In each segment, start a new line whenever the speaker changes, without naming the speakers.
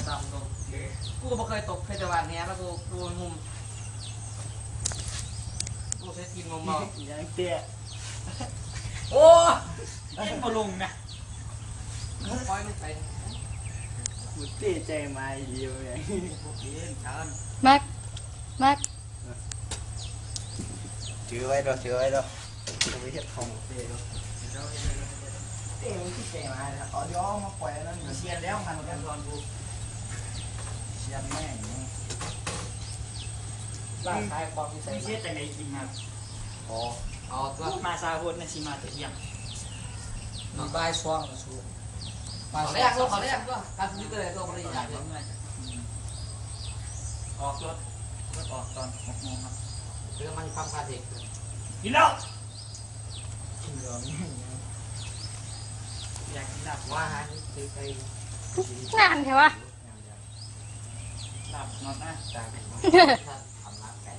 ดำตรงกูก็ไม่เคยตกเพชรวันนี้แล้วกูงุมกูใช้ทีมงมเอา
อย่างเตี้ย
โอ้
ยังมาลงนะ
ปล่อยมันไป
กูเตี้ยใจมาเดียวอย่าง
แม็กแม็ก
ถือไว้ด้วยถือไว้ด้วยกูไม่เห็นของเตี้ยด้วย
เตี้ยมันที่ใจมาแล้วอ๋อเดี๋ยวมาปล่อยแล้วเชียร์แล้วมันกันตอนกูเชียร์แม่เนี่ย
ร่างกายความมีเส้น
ไม่เชื่อแต่ไหนกินครับ
อ๋อ
เอาตัว
มาซาโฮนนะชิมาแต่ยัง
มีใบช่วงมาชูเขาแรกตัวเขาแรกตัวการซื้อตัวอะไรตัวบริจาคเลย
ออกรถออกตอน6 โมงครับ
เรื่องมันความคาเด็ก
กินแล้วกินเหลืองอยากกินลาบ
ว่าฮะนี่คือไป
งานใช่ปะ
ลาบนอนนะจ่ายไปท
ำร้านไก่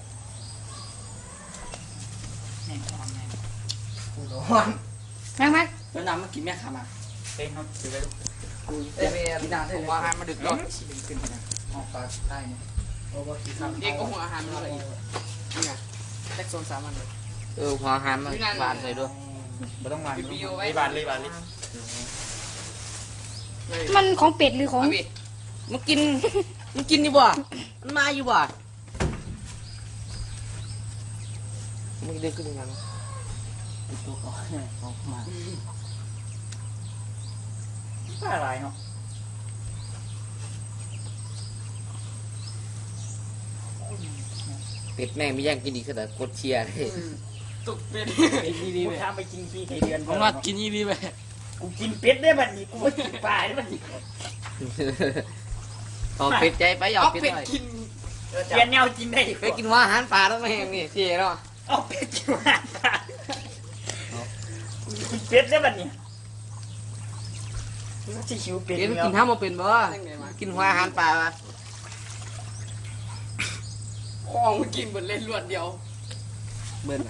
แม่งทำไง
กูโดน
แม็กแม็ก
แล้วน้ำมันกินแม่ขามา
เป็นเขาถือไป
กูเอ้ยพี่ดาได้ว่าฮะมาดึกก่อน
ชิลิงขึ้นนะออกปลาได้เนี่ย
โอ้โหกินข้าวเด็กก็หัวอาหารมันเลยนี่ไงแท็กโซน3 อันเลยหัวอาหารมันบานเลยด้วย
ไม่ต้องวางไม่บานเลย
มันของเป็ดหรือของ
มันกินอยู่บ่มันมาอยู่บ่มึงเดินขึ้นยังไง
ตัวก่อนออกมาอะไรเนาะ
เป็ดแม่งไม่ย่างกินดีขนาดกดเชียร์เลยตุกเป็ด
ดีๆไปทำไปกินขี้ไก่เดือน
ผมว่ากินยี่ดีไป
กูกินเป็ดได้บัดนี้กูไม่กินปลาได้บัดนี้
เอาเป็ดใจไปเอาเป็ดหน่อย
เปลี่ยนแนวกินได้
ไปกินว่าอาหารปลาแล้วไม่แห้งนี่เชียร์เนาะ
เอาเป็ดกินอาหารปลากินเป็ดได้บัดนี้จะหิวเป็ด
กินท่ามาเป็นบ่กินว่าอาหารปลาห้องมันกินหมดเล่นรวดเดียวเบิ้ล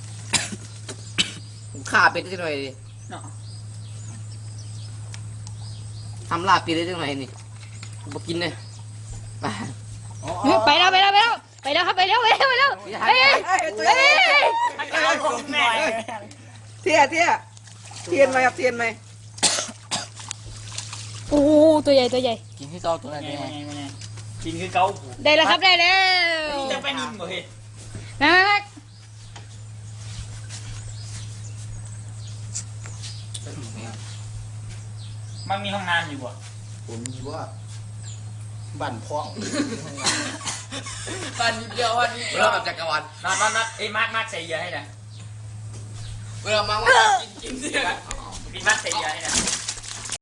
ผมฆ่าเป็ดได้จังหน่อยดิทำลาบเป็ดได้จังหน่อยนี่ผมกินเลย
ไปแล้วครับไปแล้วเฮ้ย
เทียนไหมครับเทียนไหม
โอ้ตัวใหญ่
กินให้ต่อตัวไหนได้
กินคือเกา
ได้แล้วครับได้แล้ว
จะไปนิ่มบ่เฮ้ย
แม็ก
มันมีห้องน้ำอยู่บ่
ผมมีว่าบ้านพ่อง
ตอนนี้เดียววันนี้เริ่มจักรวาล
นอนไอ้มาร์คใส่เยอะให้นะ
เริ่มมาว่ากินเสีย
พี่มาร์คใส่เยอะให้นะ